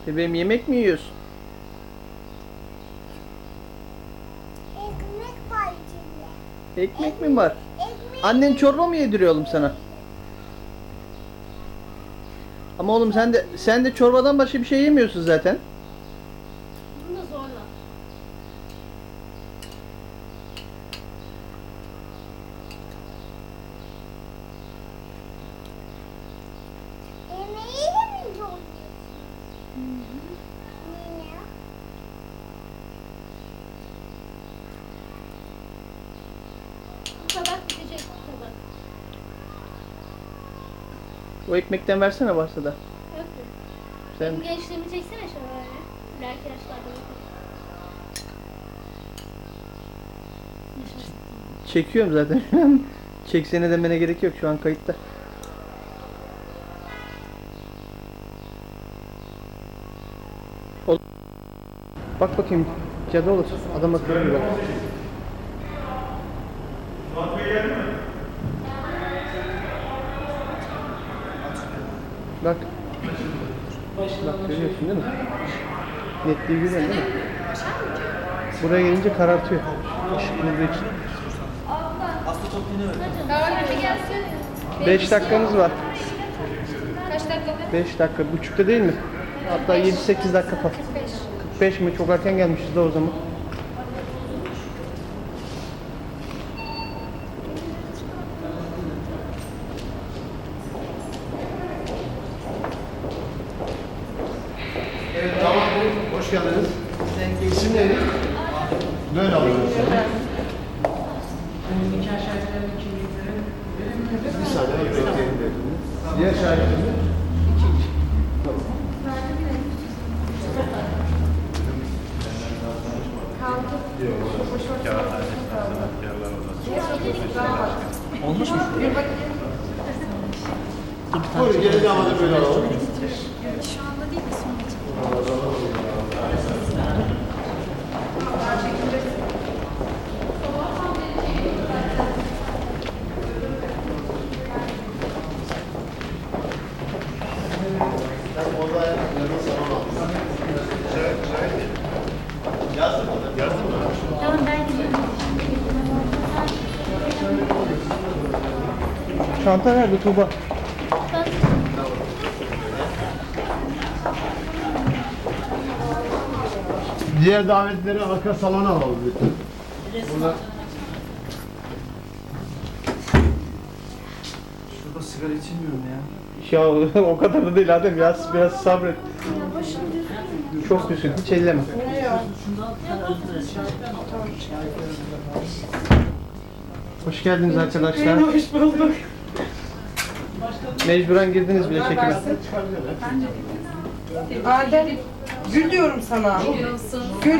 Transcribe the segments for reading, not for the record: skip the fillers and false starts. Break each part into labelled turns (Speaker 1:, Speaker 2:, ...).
Speaker 1: Bebeğim yemek mi yiyorsun?
Speaker 2: Ekmek var içinde.
Speaker 1: Ekmek mi var?
Speaker 2: Ekmek.
Speaker 1: Annen çorba mı yediriyor oğlum sana? Ama oğlum sen de çorbadan başka bir şey yemiyorsun zaten.
Speaker 3: Bunu da zorla.
Speaker 2: Yemeği de mi doyuyorsun? Niye?
Speaker 3: Bu tabak bitecek bu tabak.
Speaker 1: O ekmekten versene varsa da.
Speaker 3: Yok mu?
Speaker 1: Sen
Speaker 3: Benim gençliğimi çeksene şöyle. İleriki yaşlarda bakalım. Yaşasın.
Speaker 1: çekiyorum zaten. Çeksene demene gerek yok, şu an kayıtta. Bak bakayım, cadı olur. Adam akıllı bir bak. Bak. Bak görüyorsun değil mi? Netliği görüyorsun değil mi? Buraya gelince karartıyor. Işık vurduğu için.
Speaker 3: Davranışa gelsin.
Speaker 1: 5 dakikamız var.
Speaker 3: Kaç dakika?
Speaker 1: 5 dakika. Buçukta değil mi? Hatta 7-8 dakika falan. 45 mi? Çok erken gelmişiz de o zaman.
Speaker 4: Evet, tamam. Hoş geldiniz. İsim neydi? Böyle alıyoruz. Bir saniye bekleyelim dediniz. Diğer şahitlerimiz?
Speaker 5: Olmuş mu?
Speaker 4: Buyurun, gelin havada böyle alalım.
Speaker 3: Tamam ben gidiyorum.
Speaker 1: Çanta nerede Tuğba?
Speaker 4: Diğer davetleri arka salona alalım lütfen. Burada
Speaker 5: Şurada sigara içilmiyor mu ya?
Speaker 1: Ya o kadar da değil Adem, biraz sabret. Çok düşün, hiç elleme. Hoş geldiniz arkadaşlar.
Speaker 6: Hoş bulduk.
Speaker 1: Mecburen girdiniz bile çekime.
Speaker 6: Adem, gül diyorum sana. Gül.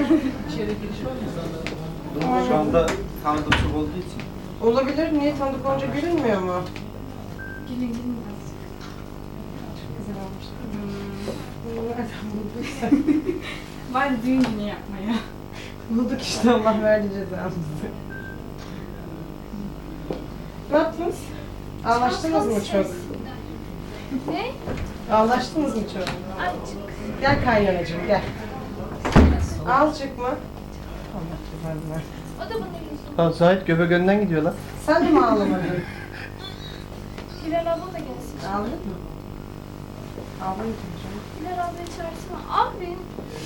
Speaker 5: Şu anda tanıdık çok olduğu için.
Speaker 6: Olabilir. Niye tanıdık olunca gülünmüyor mu?
Speaker 3: Gidin biraz.
Speaker 6: Güzel olmuş. Nereden bulduysa.
Speaker 7: Ben düğün günü yapmaya.
Speaker 6: Bulduk işte, Allah verdi cezamızı. Ne yaptınız? Ağlaştınız mı çok?
Speaker 3: Ne?
Speaker 6: Ağlaştınız mı çok?
Speaker 3: Azıcık.
Speaker 6: Gel kaynanacığım, gel. Azıcık mı? Allah cezanı ver.
Speaker 3: O da bunun yüzü.
Speaker 1: Lan Zahit göbek önden gidiyor lan.
Speaker 6: Sen de mi ağlamadın?
Speaker 3: Hilal abla da gelsin.
Speaker 6: Ağladın mı? Ağlamadın canım.
Speaker 3: Hilal ablayı çağırsana. Abi.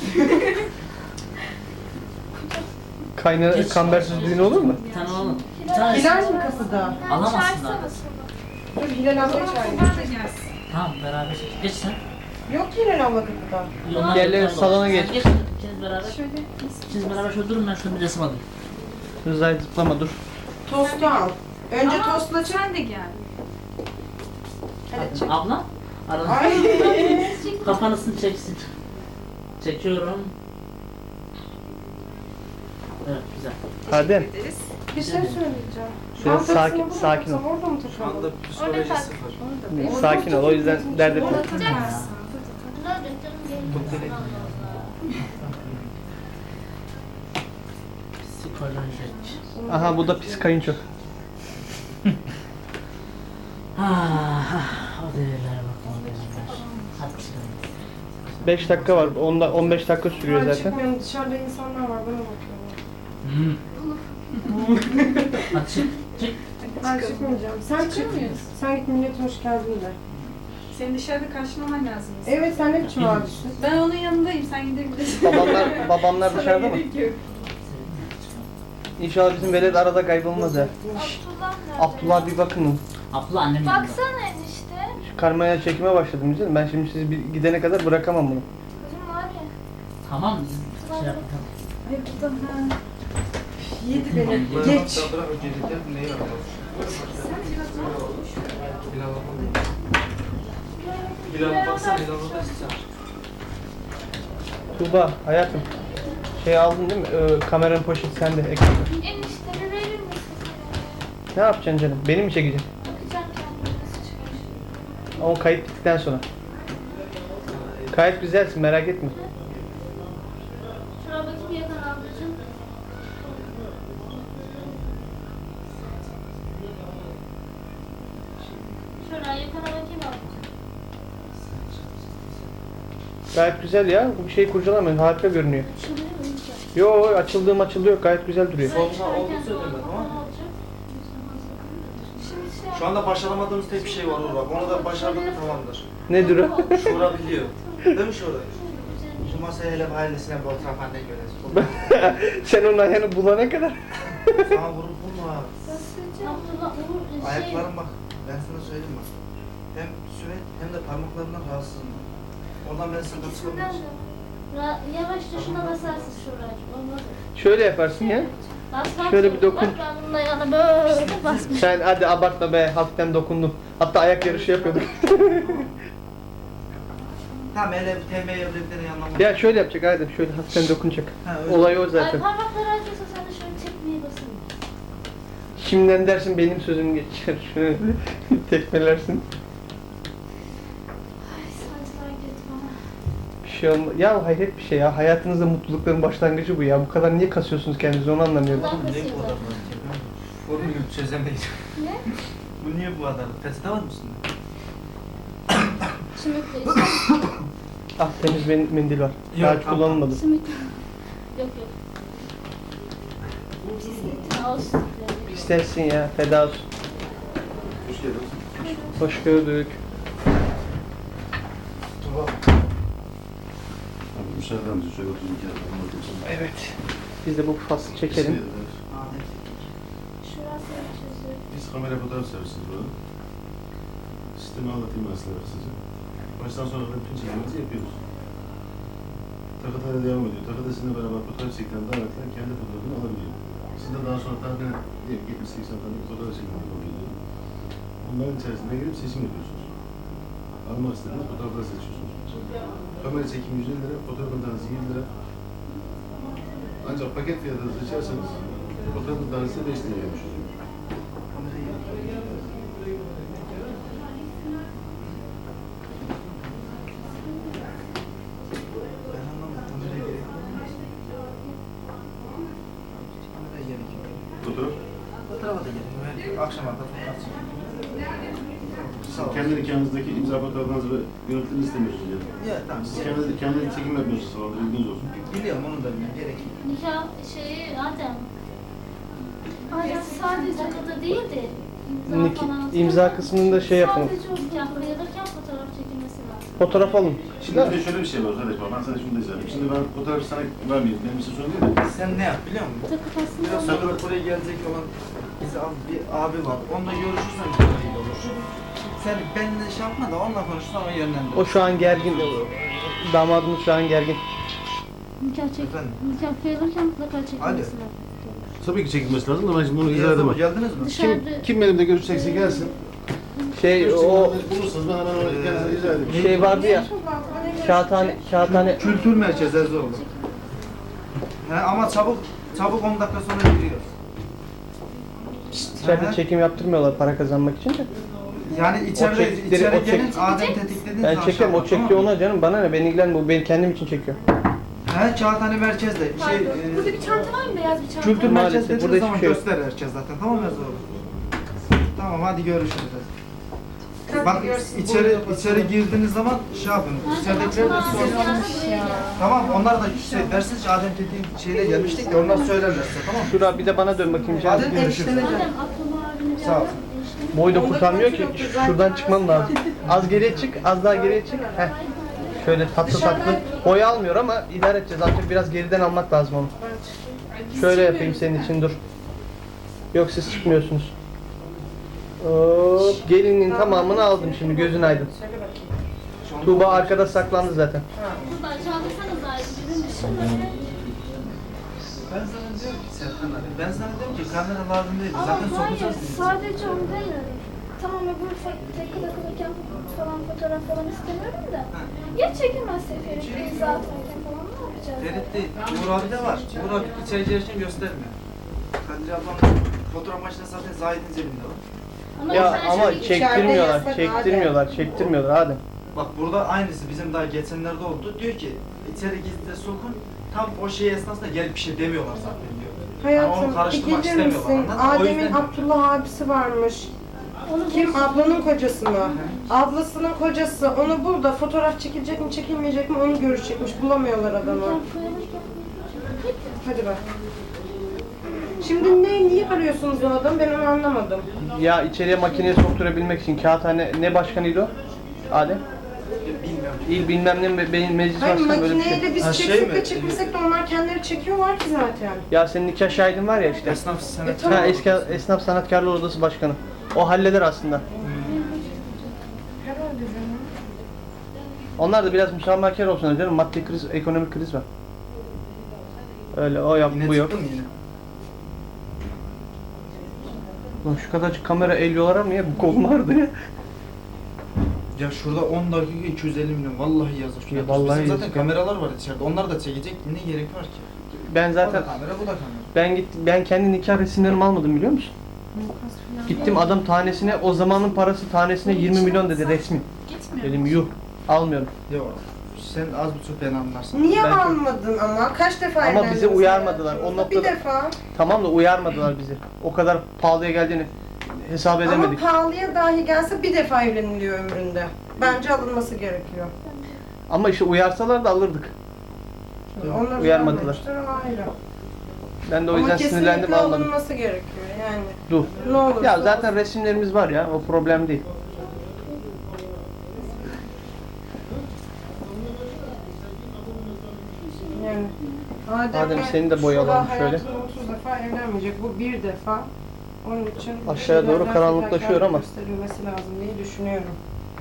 Speaker 1: Kambersiz düğün olur mu?
Speaker 5: Bir tane alalım.
Speaker 6: Hilal mi kapıda?
Speaker 5: Alamazsın
Speaker 3: Çağırsana
Speaker 5: zaten.
Speaker 3: sana.
Speaker 6: Dur Hilal abla çağırıyor.
Speaker 7: Onlar da gelsin.
Speaker 5: Tamam beraber. Geç sen.
Speaker 6: Yok ki Hilal abla kapıda.
Speaker 5: Onlar
Speaker 1: Gel,
Speaker 5: beraber
Speaker 1: salona
Speaker 5: olsun.
Speaker 1: geç.
Speaker 5: Sen geç. İkiniz beraber.
Speaker 7: Şöyle
Speaker 5: İkiniz beraber şöyle durun, ben şöyle bir resim alayım.
Speaker 1: Dur Zahit zıplama dur.
Speaker 6: Tostu al. Önce
Speaker 7: Ama
Speaker 6: tostla çek.
Speaker 7: sen de gel.
Speaker 6: Hadi çek.
Speaker 5: Abla. Arada.
Speaker 6: Ay.
Speaker 5: Kafanısını çeksin. Çekiyorum. Evet güzel.
Speaker 1: Adem.
Speaker 6: Bir şey söyleyeceğim.
Speaker 1: Biraz
Speaker 6: Çantasını
Speaker 1: sakin-
Speaker 6: burada
Speaker 1: sakin ol.
Speaker 6: taksam Orada mı takalım?
Speaker 3: Orada
Speaker 5: psikoloji
Speaker 3: tak.
Speaker 5: sıfır.
Speaker 1: Sakin ol, o yüzden dert etme.
Speaker 3: Takacaksın. Ne olacak canım gelin.
Speaker 5: Psikolojik.
Speaker 1: Aha bu da pis kayınço.
Speaker 5: O değerlere bakma değerler. Hadi çıkalım.
Speaker 1: 5 dakika var. 15 dakika sürüyor
Speaker 6: Ben
Speaker 1: zaten.
Speaker 6: çıkmıyorum. Dışarıda insanlar var. Bana bakıyorlar.
Speaker 5: Hadi çık. Çık.
Speaker 6: Ben çıkmayacağım. Sen çık. Sen git millete hoş geldin de.
Speaker 7: Senin dışarıda karşılaman lazım.
Speaker 6: Evet sen ne biçim abisin?
Speaker 7: Ben onun yanındayım. Sen gidebilirsin.
Speaker 1: Babamlar
Speaker 7: Sana
Speaker 1: dışarıda mı?
Speaker 7: gerek yok.
Speaker 1: İnşallah bizim velet arada kaybolmaz ya.
Speaker 3: Abdullah nerede?
Speaker 1: Abdullah bir bakın.
Speaker 5: Abla annem yanında.
Speaker 3: Baksana enişte.
Speaker 1: Şu karmaya çekime başladım güzel. Ben şimdi sizi bir gidene kadar bırakamam bunu.
Speaker 3: Kızım var ya.
Speaker 5: Tamam biz şey yapalım.
Speaker 7: Ay burada ha.
Speaker 6: Yedi beni. Geç.
Speaker 1: Tuğba hayatım. Şey aldın değil mi? Kameranın poşeti sende. Ekranda.
Speaker 3: Enişte bir verir misin?
Speaker 1: Ne yapacaksın canım? Beni mi çekeceksin?
Speaker 3: Bakacağım kendime nasıl çıkmış.
Speaker 1: O kayıt bittikten sonra. Kayıt güzelsin merak etme.
Speaker 3: Şuna bakayım yakın ablacığım. Şuraya yakına bakayım ablacığım.
Speaker 1: Gayet güzel ya. Bu bir şey kurcalamıyor. Harika görünüyor.
Speaker 3: Açılıyor mu enişte?
Speaker 1: Yo açılıyor. Gayet güzel duruyor.
Speaker 4: Soluna oldu söyledim ben, tamam mı? Şu anda başaramadığımız tek bir şey var Nur bak. Onu da başardık mı tamamdır.
Speaker 1: Nedir o?
Speaker 4: Şura biliyor. Değil mi Şura? Şu masaya hele ailesine bir oturak anne göresin.
Speaker 1: Sen onun ayağını bulana kadar.
Speaker 4: Sana vurup vurma.
Speaker 3: Abdullah Uğur
Speaker 4: Ayaklarım bak. Ben sana söyleyeyim bak. Hem süre hem de parmaklarından rahatsızım. Oradan ben sıkıntı
Speaker 3: İkisinden
Speaker 4: çıkamıyorum.
Speaker 3: de. Yavaşça şuna basarsın şuracığım. Olmaz.
Speaker 1: Şöyle yaparsın ya.
Speaker 3: Basmam
Speaker 1: Şöyle bir
Speaker 3: zorunda.
Speaker 1: dokun.
Speaker 3: Bak ben bunun ayağına böyle basmışım.
Speaker 1: Sen hadi abartma be. Hafiften dokundum. Hatta ayak yarışı yapıyorduk.
Speaker 4: Tamam hele tembih evliliklerin yanına.
Speaker 1: Ya şöyle yapacak Adem. Şöyle hafiften dokunacak.
Speaker 4: Ha, öyle.
Speaker 1: Olay o
Speaker 3: Ay
Speaker 1: zaten.
Speaker 3: parmakları acıyorsa sen de şöyle tekmeye basın.
Speaker 1: Şimdiden dersin benim sözüm geçer. Şöyle tekmelersin.
Speaker 3: Ay sancılar girdi bana.
Speaker 1: Bir şey olmaz. Ya hayret bir şey ya. Hayatınızda mutlulukların başlangıcı bu ya. Bu kadar niye kasıyorsunuz kendinizi onu anlamıyorum.
Speaker 3: Allah
Speaker 4: Ne bu
Speaker 3: kasıyor
Speaker 4: kadar
Speaker 3: zaten.
Speaker 4: Onu çözemeyiz.
Speaker 3: Ne?
Speaker 4: Bu niye bu kadar? Peçete var mı üstünde?
Speaker 3: Simit de işte.
Speaker 1: Ah temiz mendil var.
Speaker 4: Yok,
Speaker 1: Daha hiç
Speaker 4: tamam.
Speaker 1: kullanılmadı.
Speaker 3: Simit. Yok yok. Olsun.
Speaker 1: İstersin ya. Feda olsun.
Speaker 4: Hoş geldiniz.
Speaker 1: Hoş gördük.
Speaker 4: Tuba.
Speaker 8: Abi müsaadenizle şöyle oturun iki dakika anlatayım sana.
Speaker 1: Evet. Biz de bu faslı çekelim.
Speaker 3: Şurası açıyorsun.
Speaker 8: Biz kamera fotoğraf servisiz burada. Sistemi anlatayım ben size kısaca. Baştan sona bütün çekimimizi yapıyoruz. Takıtayla devam ediyor. Takıda sizinle beraber fotoğraf çekilen davetler kendi fotoğrafını alabiliyor. Siz de daha sonra tahmin diyelim 70-80 tane fotoğraf çekimini yapabiliyor. Onların içerisinde girip seçim yapıyorsunuz. Almak istediğiniz fotoğrafları seçiyorsunuz. Kamera çekimi 150 lira, fotoğrafın tanesi 20 lira. Ancak paket fiyatını seçerseniz fotoğrafın tanesi 5 liraya gelmiş oluyor.
Speaker 4: Ben anlamadım. Kameraya gerek yok. Kameraya gerek yok.
Speaker 8: Fotoğraf
Speaker 4: Fotoğrafa da gerek yok. Akşam arka fotoğraf çekelim. Sağ ol.
Speaker 8: kendi nikahınızdaki imza fotoğraflarınızı ve görüntülerini istemiyorsunuz yani.
Speaker 4: Ya tamam.
Speaker 8: Siz kendi çekim yapmıyorsunuz falan, bilginiz olsun.
Speaker 4: Biliyorum onu da bilmiyorum. Gerek yok.
Speaker 3: Nikah şeyi Adem. Adem sadece takıda değil de
Speaker 1: İmza kısmında şey yapın.
Speaker 3: Sadece o nikah kıyılırken fotoğraf çekilmesi lazım.
Speaker 1: Fotoğraf alın.
Speaker 8: Şimdi bir de şöyle bir şey var kardeşim, ben sana şunu da izledim. Şimdi ben fotoğrafı sana vermeyeyim, benim için sorun değil de.
Speaker 4: Sen ne yap biliyor musun?
Speaker 3: Takı aslında
Speaker 4: Biraz sonra buraya gelecek olan bir abi var. Onunla görüşürsen çok iyi olur. Sen benimle şey yapma da onunla konuşsan o yönlendir.
Speaker 1: O şu an gergin. Damadımız şu an gergin.
Speaker 3: nikah çek.
Speaker 4: Efendim?
Speaker 3: Nikah kıyılırken mutlaka çekilmesi lazım.
Speaker 8: Tabii ki çekilmesi lazım da ben şimdi bunu izah
Speaker 4: Geldiniz
Speaker 8: edemem.
Speaker 4: Geldiniz mi?
Speaker 3: Dışarıda
Speaker 8: Kim benimle görüşecekse gelsin.
Speaker 1: Şey o
Speaker 8: Bulursanız ben hemen onu kendisine izah edeyim.
Speaker 1: şey vardı ya. Kağıthane.
Speaker 4: Kültür merkezi Erzurum. He ama çabuk 10 dakika sonra giriyor.
Speaker 1: İçeride çekim yaptırmıyorlar para kazanmak için de.
Speaker 4: Yani
Speaker 1: O
Speaker 4: içeri
Speaker 1: çektikleri- o
Speaker 4: gelin
Speaker 1: çek-
Speaker 4: Adem tetiklediğiniz
Speaker 1: Ben
Speaker 4: zaman
Speaker 1: çekiyorum. O
Speaker 4: şey yapar,
Speaker 1: çekiyor
Speaker 4: tamam mı?
Speaker 1: ona canım. Bana ne? Beni ilgilenmiyor. Bu benim kendim için çekiyor.
Speaker 4: He Kağıthane merkezde.
Speaker 7: Burada bir çanta var mı? Beyaz bir çanta.
Speaker 4: Kültür
Speaker 1: Maalesef,
Speaker 4: merkez
Speaker 1: burada
Speaker 4: dediğiniz
Speaker 1: hiçbir
Speaker 4: zaman
Speaker 1: şey yok.
Speaker 4: gösterir herkes zaten. Tamam mı Erzurum? Tamam hadi görüşürüz.
Speaker 6: dikkat
Speaker 4: Bak
Speaker 6: ediyorsun.
Speaker 4: içeri girdiğiniz zaman şey yapın. İçeridekiler de sorun. Tamam onlar da dersiniz ki Adem dediğin şeyle gelmiştik de onlar söylerler size, tamam mı?
Speaker 1: Şura bir de bana dön bakayım canım.
Speaker 4: Adem görüşürüz.
Speaker 3: Adem Abdullah abini
Speaker 4: Sağ ol.
Speaker 1: Boy da kurtarmıyor ki. Şuradan çıkmam lazım. Az geriye çık, az daha geriye çık. Heh. Şöyle tatlı tatlı. Boy almıyor ama idare edeceğiz. Artık biraz geriden almak lazım onu. Şöyle yapayım senin için, dur. Yok siz çıkmıyorsunuz. Hop, gelinin tamamını aldım şimdi, gözün aydın. Tuğba arkada saklandı zaten.
Speaker 3: Burada çaldırsanız ayrı.
Speaker 4: Ben sana diyorum ki Serkan abi, ben sana diyorum ki kamera lazım değil.
Speaker 2: Ama
Speaker 4: Zaten
Speaker 2: hayır,
Speaker 4: sokacağız diye.
Speaker 2: sadece onu demiyorum. Tamam öbür tekrar takılırken falan fotoğraf falan istemiyorum da. Ya çekilmezse Ferit imza atarken falan ne yapacağız?
Speaker 4: Ferit değil, Uğur abi de var. Uğur abi içeri girerken göstermiyor. Kadir ablam fotoğraf makinesi zaten Zahid'in cebinde var.
Speaker 1: Ya ama
Speaker 6: içeride
Speaker 1: çektirmiyorlar,
Speaker 6: yasak
Speaker 1: çektirmiyorlar Adem.
Speaker 4: Bak burada aynısı bizim daha geçenlerde oldu. Diyor ki içeri gizlice sokun. Tam o şey esnasında gelip bir şey demiyorlar zaten diyor. Yani onu
Speaker 6: Hayatım,
Speaker 4: karıştırmak
Speaker 6: gelir
Speaker 4: istemiyorlar.
Speaker 6: misin?
Speaker 4: anladın mı? O
Speaker 6: Adem'in
Speaker 4: yüzden
Speaker 6: Abdullah abisi varmış. Kim? Ablanın kocası mı? Ablasının kocası. Onu burada fotoğraf çekilecek mi çekilmeyecek mi onu görüşecekmiş. Bulamıyorlar adamı. Hadi bak. Şimdi niye arıyorsunuz o adamı? Ben onu anlamadım.
Speaker 1: Ya içeriye makineye sokturabilmek için kağıthane ne başkanıydı o? Adem?
Speaker 4: bilmiyorum.
Speaker 1: İl bilmem ne benim meclis
Speaker 6: Hayır
Speaker 1: başkanı böyle bir
Speaker 6: makineyle
Speaker 1: şey.
Speaker 6: biz
Speaker 4: Ha, şey
Speaker 6: çeksek
Speaker 4: mi?
Speaker 6: de çekmesek de onlar kendileri çekiyorlar ki zaten.
Speaker 1: Ya senin nikah şahidin var ya işte.
Speaker 4: Esnaf senet.
Speaker 6: tamam.
Speaker 1: Ha, eski esnaf sanatkarlar odası başkanı. O halleder aslında.
Speaker 6: Herhalde canım.
Speaker 1: Onlar da biraz müsamahakar olsun canım. Maddi kriz, ekonomik kriz var. Öyle o yap
Speaker 4: Yine
Speaker 1: bu yok.
Speaker 4: çıktı mı yine?
Speaker 1: Lan şu kadarcık kamera elliyorlar ama ya bu kolum ağrıdı ya.
Speaker 4: Ya şurada 10 dakika 250 milyon vallahi yazık.
Speaker 1: Ya vallahi
Speaker 4: Bizim
Speaker 1: yazık
Speaker 4: zaten
Speaker 1: ya.
Speaker 4: kameralar var içeride. Onlar da çekecek. Ne gerek var ki?
Speaker 1: Ben
Speaker 4: O
Speaker 1: zaten
Speaker 4: da kamera, bu da kamera.
Speaker 1: ben kendi nikah resimlerimi almadım biliyor musun? Gittim adam tanesine, o zamanın parası tanesine 20 milyon dedi resmi.
Speaker 7: Gitmiyor.
Speaker 1: Dedim yuh almıyorum.
Speaker 4: Yok. Sen az buçuk beni anlarsın.
Speaker 6: Niye
Speaker 1: Ben-
Speaker 6: almadın ama? Kaç defa
Speaker 1: Ama
Speaker 6: evlendiniz
Speaker 1: bizi uyarmadılar.
Speaker 6: hayatınızda?
Speaker 1: O noktada-
Speaker 6: Bir defa.
Speaker 1: Tamam da uyarmadılar bizi. O kadar pahalıya geldiğini hesap edemedik.
Speaker 6: Ama pahalıya dahi gelse bir defa evleniliyor ömründe. Bence alınması gerekiyor.
Speaker 1: Ama işte uyarsalar da alırdık.
Speaker 6: Onlar
Speaker 1: Uyarmadılar.
Speaker 6: vermemiştir, o ayrı.
Speaker 1: Ben de o yüzden
Speaker 6: Ama
Speaker 1: sinirlendim
Speaker 6: kesinlikle
Speaker 1: almadım.
Speaker 6: alınması gerekiyor yani.
Speaker 1: Dur.
Speaker 6: Ne olursa
Speaker 1: Ya zaten
Speaker 6: olsun.
Speaker 1: resimlerimiz var ya, o problem değil.
Speaker 6: Yani.
Speaker 1: Adem, seni de boyayalım
Speaker 6: Şurada
Speaker 1: şöyle.
Speaker 6: hayatında 30 defa evlenmeyecek. Bu bir defa. Onun için
Speaker 1: Aşağıya doğru
Speaker 6: şeylerden
Speaker 1: karanlıklaşıyor
Speaker 6: fedakarlık
Speaker 1: ama.
Speaker 6: gösterilmesi lazım diye düşünüyorum.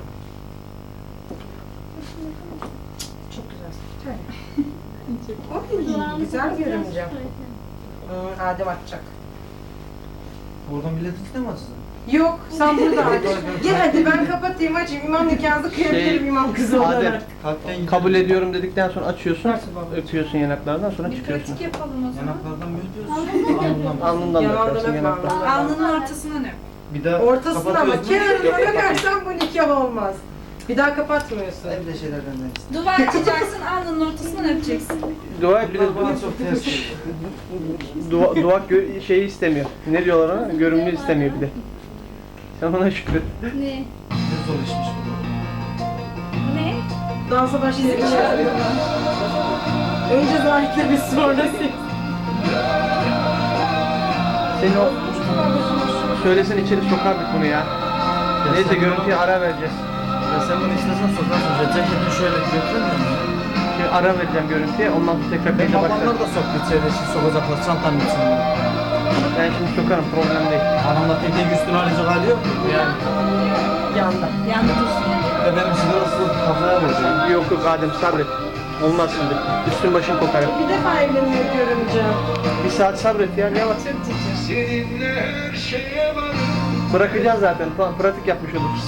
Speaker 6: Çok güzel. Oy, güzel görünce. Adem atacak.
Speaker 4: Oradan biletiniz mi açsın?
Speaker 6: Yok, sen burada aç. Gel hadi ben kapatayım açayım. İmam nikahınızı kıyabilirim
Speaker 1: Şey,
Speaker 6: imam kızı
Speaker 1: Adem,
Speaker 6: olarak.
Speaker 4: Kalpten gidiyor.
Speaker 1: kabul ediyorum dedikten sonra açıyorsun,
Speaker 6: Nasıl baba?
Speaker 1: öpüyorsun yanaklardan, sonra
Speaker 7: Bir
Speaker 1: çıkıyorsun.
Speaker 7: pratik yapalım o zaman.
Speaker 4: Yanaklardan mı öpüyorsun?
Speaker 1: Alnından da
Speaker 6: Yanağından
Speaker 1: öpersin
Speaker 6: öpme,
Speaker 1: yanaktan.
Speaker 6: alnından.
Speaker 7: Alnının ortasından öp.
Speaker 4: Bir daha
Speaker 6: Ortasına ama
Speaker 4: kapatıyorsun.
Speaker 6: kenarına öpersen bu nikah olmaz. Bir daha kapatmıyorsun.
Speaker 4: Öyle şeylerden de.
Speaker 7: Duvar açacaksın, alnının ortasından öpeceksin.
Speaker 1: Dua et bir de
Speaker 4: Bunlar bana çok ters geliyor.
Speaker 1: dua şeyi istemiyor. Ne diyorlar ona? Görünümlü istemiyor bir de. Sen ona şükret.
Speaker 3: Ne?
Speaker 4: Ne zor işmiş bu.
Speaker 7: Bu ne?
Speaker 6: Dansa başlayacak. Önce Zahit'le biz sonra siz.
Speaker 1: Seni o söylesen içeri sokardık bunu ya. Neyse görüntüye ara vereceğiz.
Speaker 4: Ya sen bunu istesen sokarsın. Ceketini şöyle götürür müsün?
Speaker 1: Şimdi ara vereceğim görüntüye. Ondan sonra tekrar
Speaker 4: Benim
Speaker 1: kayda
Speaker 4: babamlar
Speaker 1: başlarız.
Speaker 4: da soktu içeri. Şimdi sokacaklar çantanın içine.
Speaker 1: Ben şimdi sokarım, problem değil.
Speaker 4: Anamla tek üstüne arayacak hali yok mu? Yani.
Speaker 1: Yanda.
Speaker 7: Yandı dursun.
Speaker 4: Ve benim sigarası kafaya vuracak.
Speaker 1: Yok yok Adem sabret. Olmaz şimdi. Üstün başın kokar.
Speaker 6: Bir defa evlenmeyi görünce.
Speaker 1: Bir saat sabret ya, ne var? Bırakacağız zaten. Pratik yapmış oluruz.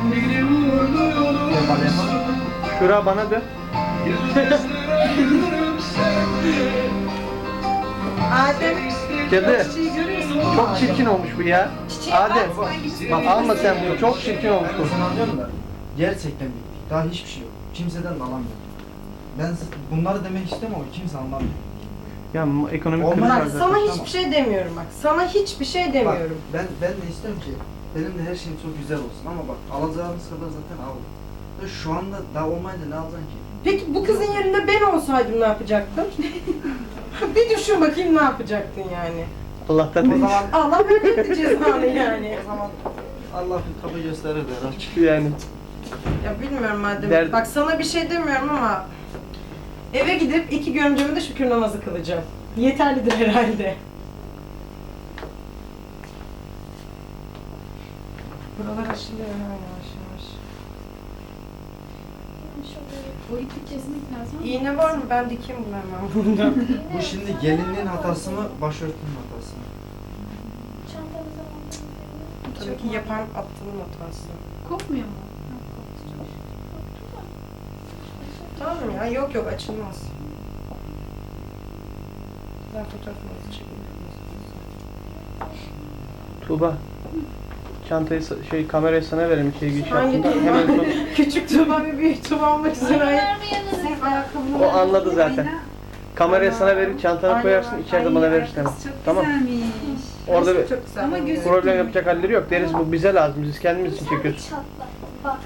Speaker 1: Şura bana dön.
Speaker 6: Adem.
Speaker 1: Cadı.
Speaker 6: Çiçeği görüyorsun.
Speaker 1: Çok çirkin olmuş bu ya. Adem. Bak alma sen bunu. Çok çirkin olmuş bu.
Speaker 4: Sana anlıyorum da gerçekten bittik. Daha hiçbir şey yok. Kimseden de alamıyorum. Ben bunları demek istemiyorum ama kimse anlamıyor.
Speaker 1: Ya ekonomik
Speaker 4: Olmaz.
Speaker 1: kriz var
Speaker 6: Bak
Speaker 1: zaten.
Speaker 6: sana hiçbir şey demiyorum bak. Sana hiçbir şey
Speaker 4: Bak
Speaker 6: demiyorum.
Speaker 4: ben de istiyorum ki benim de her şeyim çok güzel olsun ama bak alacağımız kadar zaten aldım. Ya şu anda daha olmayınca ne alacaksın ki?
Speaker 6: Peki bu kızın yerinde ben olsaydım ne yapacaktım? Bir düşün bakayım ne yapacaktın yani.
Speaker 1: Allah'tan
Speaker 4: O
Speaker 1: değil.
Speaker 4: zaman
Speaker 6: Allah verirdi cezanı yani.
Speaker 4: o zaman Allah bir kapı gösterir der.
Speaker 1: Yani
Speaker 6: Ya bilmiyorum madem.
Speaker 1: Der-
Speaker 6: Bak sana bir şey demiyorum ama eve gidip 2 görümceme de şükür namazı kılacağım. Yeterlidir herhalde. Buralar aşılıyor ha yavaş yavaş.
Speaker 7: O ipi kesmek lazım.
Speaker 6: İğne var mı? Ben dikeyim bunu hemen burada.
Speaker 4: Bu şimdi gelinliğin hatası mı, başörtünün hatası mı?
Speaker 2: Çantamıza mı?
Speaker 6: Tabii ki yapan attığının hatası.
Speaker 7: Kopmuyor mu?
Speaker 6: Tamam ya, yok yok açılmaz. Ben fotoğrafınızı çekeyim.
Speaker 1: Tuğba. Çantayı kamerayı sana verelim şey giriş
Speaker 6: Hangi
Speaker 1: yaptığında
Speaker 6: Tuğba?
Speaker 1: hemen sonra.
Speaker 6: Küçük Tuğba ve büyük Tuğba olmak üzere.
Speaker 2: Vermeyelim.
Speaker 6: Senin ayakkabını
Speaker 1: O anladı zaten. Kamerayı sana verip çantana
Speaker 6: Aynen.
Speaker 1: koyarsın içeride bana verirsin hemen.
Speaker 7: Çok
Speaker 1: Tamam.
Speaker 7: güzelmiş.
Speaker 1: Orada bir
Speaker 6: çok güzel.
Speaker 7: Ama gözü-
Speaker 1: problem yapacak halleri yok. Deriz bu bize lazım. Biz kendimiz için çekiyoruz.
Speaker 2: Çatlak. Baktı.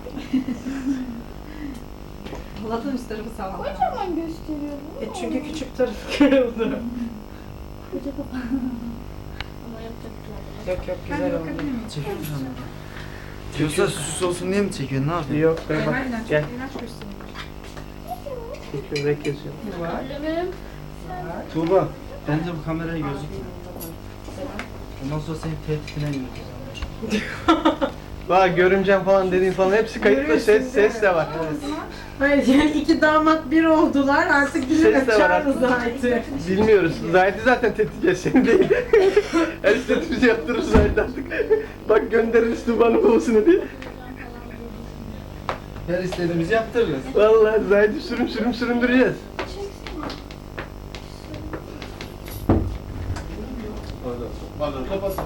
Speaker 7: Allah'tan üst tarafı sağlam.
Speaker 2: Kocaman gösteriyor bu.
Speaker 6: Çünkü küçük tarafı kırıldı.
Speaker 2: Koca kafa.
Speaker 3: Ama yapacaklar.
Speaker 6: Yok yok
Speaker 7: Ben
Speaker 6: güzel oldu.
Speaker 7: bakabilir miyim?
Speaker 4: Çekiyor musun? Yoksa süs olsun diye mi çekiyorsun? Ne yapıyorsun?
Speaker 1: Yok be bak.
Speaker 7: Harbiden çok
Speaker 1: Gel.
Speaker 7: iğrenç gösteriyor.
Speaker 1: Çekiyor ve kesiyor.
Speaker 2: Problemim.
Speaker 4: Tuğba, bence bu kameraya gözükme. Ondan sonra seni tehditine yürüteceğim.
Speaker 1: Bak görümcem falan dediğin falan hepsi kayıtlı.
Speaker 6: Görüyorsun,
Speaker 1: Ses de var.
Speaker 6: Hayır yani 2 damat bir oldular artık bizi
Speaker 1: Ses de var
Speaker 6: açarız
Speaker 1: artık.
Speaker 6: artık.
Speaker 1: Bilmiyoruz. Zahit'i zaten tehdit edeceğiz seni değil. Her istediğimizi yaptırırız Zahit artık. Bak göndeririz Tuğba'nın babasını diye.
Speaker 4: Her istediğimizi yaptırırız.
Speaker 1: Vallahi Zahit'i süründüreceğiz.
Speaker 8: Pardon, kapatsın.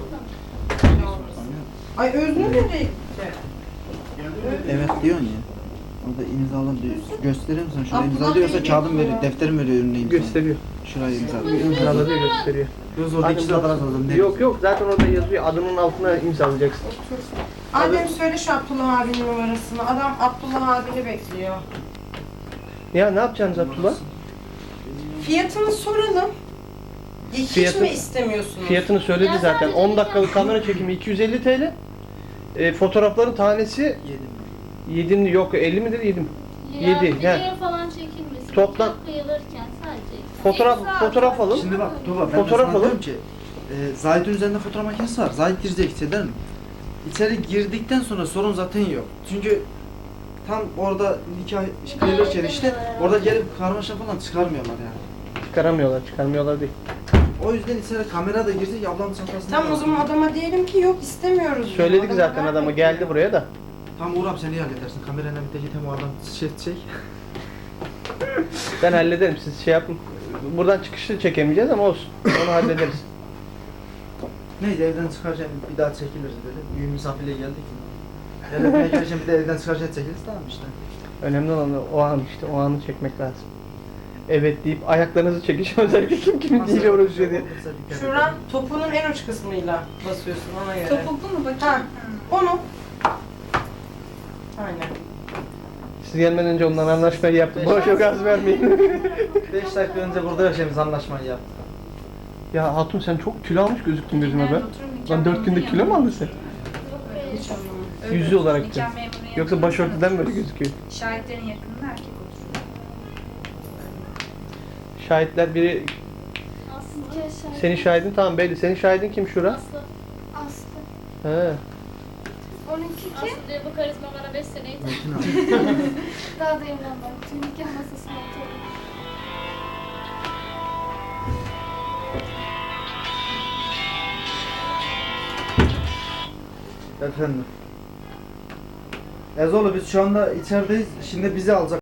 Speaker 6: Ay Özgür nereye gitti?
Speaker 4: Evet diyorsun ya. Orada imzalı diyor. Göstereyim sana şuraya
Speaker 6: Abdullah
Speaker 4: imza diyorsa
Speaker 6: Bey
Speaker 4: kağıdım
Speaker 6: geliyor.
Speaker 4: veriyor, defterim veriyor önüne imza.
Speaker 1: Gösteriyor.
Speaker 4: Şuraya imza.
Speaker 1: İmzaladı gösteriyor.
Speaker 4: Göz oradaki
Speaker 1: Hadi
Speaker 4: sıradan
Speaker 1: bak.
Speaker 4: alalım. Ne?
Speaker 1: Yok yok zaten orada yazıyor. Adının altına imzalayacaksın.
Speaker 6: Adem söyle şu Abdullah abinin numarasını. Adam Abdullah abini bekliyor.
Speaker 1: Ya ne yapacaksınız Abdullah?
Speaker 6: Fiyatını soralım. Hiç
Speaker 1: Fiyatı-
Speaker 6: mi istemiyorsunuz?
Speaker 1: Fiyatını söyledi
Speaker 3: Ya
Speaker 1: zaten.
Speaker 3: sadece
Speaker 1: 10 dakikalık kamera çekimi 250 TL. Fotoğrafların tanesi
Speaker 4: Yedim.
Speaker 1: 7 yok 50 midir 7 mi?
Speaker 3: Ya
Speaker 1: 7.
Speaker 3: videoya falan çekilmesin.
Speaker 1: Toplam-
Speaker 3: Çok kıyılırken sadece.
Speaker 1: Fotoğraf alın.
Speaker 4: Şimdi bak Tuğba ben
Speaker 1: Fotoğraf
Speaker 4: Fotoğraf sana
Speaker 1: alın.
Speaker 4: diyorum ki Zahit'in üzerinde fotoğraf makinesi var. Zahit girecek içeri mi? İçeri girdikten sonra sorun zaten yok. Çünkü tam orada nikah kıyılırken işte orada gelip karmaşa falan çıkarmıyorlar yani.
Speaker 1: Çıkarmıyorlar değil.
Speaker 4: O yüzden içeri kamera da girecek ablamın çantasına.
Speaker 6: Tamam o zaman adama diyelim ki yok istemiyoruz. diyor.
Speaker 1: Söyledik
Speaker 6: Adam
Speaker 1: zaten
Speaker 6: haber
Speaker 1: adama
Speaker 6: bekliyor.
Speaker 1: geldi buraya da.
Speaker 4: Tam Uğur abi sen iyi halledersin. Kamerayla bir de git hem o adam çek.
Speaker 1: Ben hallederim siz şey yapın. Buradan çıkışı çekemeyeceğiz ama olsun. Onu hallederiz.
Speaker 4: Neyse evden çıkarken bir daha çekiliriz dedi. Büyük misafirliğe geldik mi? Evden gelirken bir de evden çıkarken çekiliriz tamam işte.
Speaker 1: Önemli olan o an işte o anı çekmek lazım. Evet deyip ayaklarınızı çekiş özellikle kim kiminle uğraşıyor diye.
Speaker 6: Şuran topunun en uç kısmıyla basıyorsun ona göre.
Speaker 7: Topuklu mu bakayım?
Speaker 6: Ha. Onu. Aynen.
Speaker 1: Siz gelmeden önce ondan anlaşmayı yaptık. Boş yok az vermeyin.
Speaker 4: 5 dakika önce burada yaşayımız anlaşmayı yaptık.
Speaker 1: Ya Hatun sen çok kilo almış gözüktün gözüme be.
Speaker 7: Nerede otururum? Nikah
Speaker 1: Lan 4 günde
Speaker 7: memuru
Speaker 1: kilo mu
Speaker 7: yanında.
Speaker 1: aldın sen?
Speaker 6: Hiç anlamadım.
Speaker 7: Öyle
Speaker 1: Yüzü olarak
Speaker 7: nikah
Speaker 1: da.
Speaker 7: memuru yanında
Speaker 1: Yoksa
Speaker 7: oturursan
Speaker 1: başörtüden böyle
Speaker 7: oturursun.
Speaker 1: gözüküyor.
Speaker 7: Şahitlerin yakınında erkek oturuyor.
Speaker 1: Şahitler biri
Speaker 2: Aslı.
Speaker 1: senin şahidin tamam belli. Senin şahidin kim Şura?
Speaker 3: Aslı.
Speaker 2: Aslı.
Speaker 1: He.
Speaker 2: Onunki kim?
Speaker 3: Aslı diyor bu karizma bana 5 sene yeter.
Speaker 4: Metin abi.
Speaker 2: Daha da evlenmem. Tüm nikah masasına oturdu.
Speaker 4: Efendim. Ezoğlu biz şu anda içerideyiz. Şimdi bizi alacak.